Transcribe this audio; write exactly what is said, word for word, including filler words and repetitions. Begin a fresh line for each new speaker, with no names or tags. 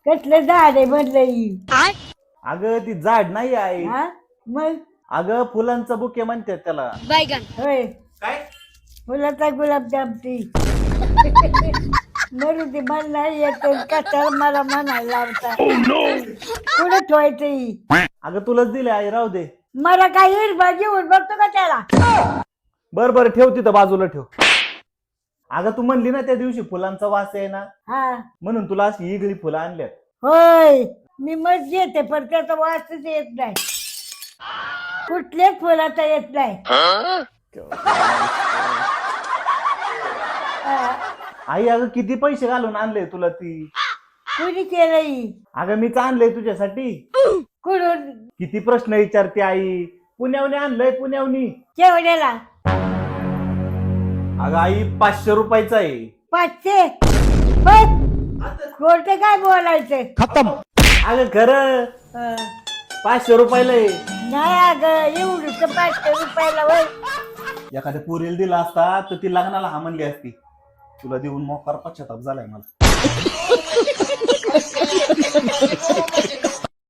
कसलं झाड आहे म्हणलं
अगं ती झाड नाही आहे.
हा मग
अगं फुलांचा बुके म्हणतात त्याला.
होय
काय
फुलाचा गुलाबजाम ती मरू दे मला नाही येत कशाला मला म्हणायला लावता कुठं ठेवायचं ही?
अगं तुलाच दिले आई, राहू दे.
मला काय हिरबा घेऊन बघतो का त्याला
बर बर ठेव तिथं बाजूला ठेव. अगं तू म्हणली ना त्या दिवशी फुलांचा वास आहे ना,
हा
म्हणून तुला अशी इगळी फुलं आणल्यात.
होय मी मग येते पण त्याचा वासच येत नाही कुठल्याच फुलाचा येत नाही हा,
आई अगं किती पैसे घालून आणले तुला ती.
कुणी केलंय
अगं मीच आणलंय तुझ्यासाठी.
कुठून
किती प्रश्न विचारते आई. पुण्यावने आणलंय पुण्यावनी.
केवढ्याला
अगं आई पाचशे रुपयाचा आहे.
पाचशे बस खोट काय बोलायचं
खतम. अगं खरं
हा.
पाचशे रुपयाला आहे.
नाही अगं एवढं पाचशे रुपयाला वय
एखाद्या पोरीला दिला असता तर ती लग्नाला हा म्हणली असती. तुला देऊन मोकार पश्चाताप झालाय मला.